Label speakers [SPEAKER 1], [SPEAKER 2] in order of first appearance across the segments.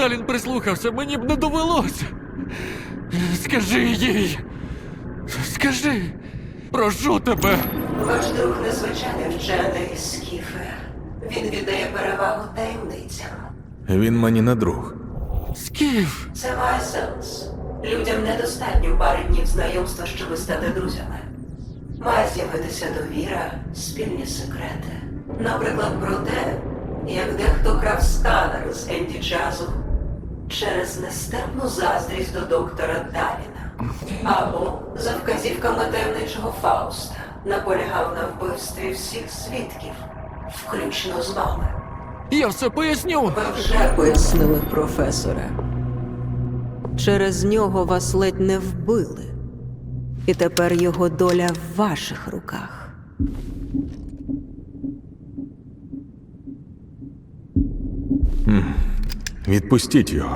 [SPEAKER 1] Сталін прислухався, мені б не довелося. Скажи їй. Скажи. Прошу тебе.
[SPEAKER 2] Ваш друг незвичайний вчений, Скіфе. Він віддає перевагу таємницям.
[SPEAKER 3] Він мені не друг.
[SPEAKER 1] Скіф.
[SPEAKER 2] Це має сенс. Людям недостатньо пари днів знайомства, щоб стати друзями. Має з'явитися довіра, спільні секрети. Наприклад, про те, як дехто крав сканер з Енді Джазу через нестерпну заздрість до доктора Даліна. Або за вказівками таємничого Фауста наполягав на вбивстві всіх свідків, включно з вами.
[SPEAKER 1] Я все поясню.
[SPEAKER 2] Ви вже пояснили, професоре. Через нього вас ледь не вбили. І тепер його доля в ваших руках.
[SPEAKER 3] Відпустіть його.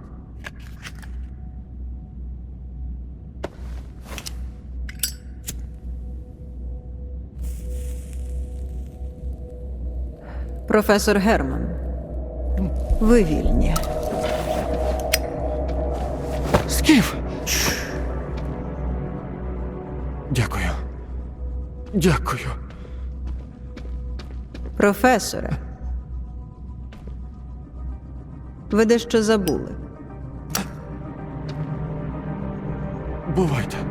[SPEAKER 2] Професор Герман, ви вільні.
[SPEAKER 1] Скіф. Дякую. Дякую.
[SPEAKER 2] Професоре, ви дещо забули.
[SPEAKER 1] Бувайте.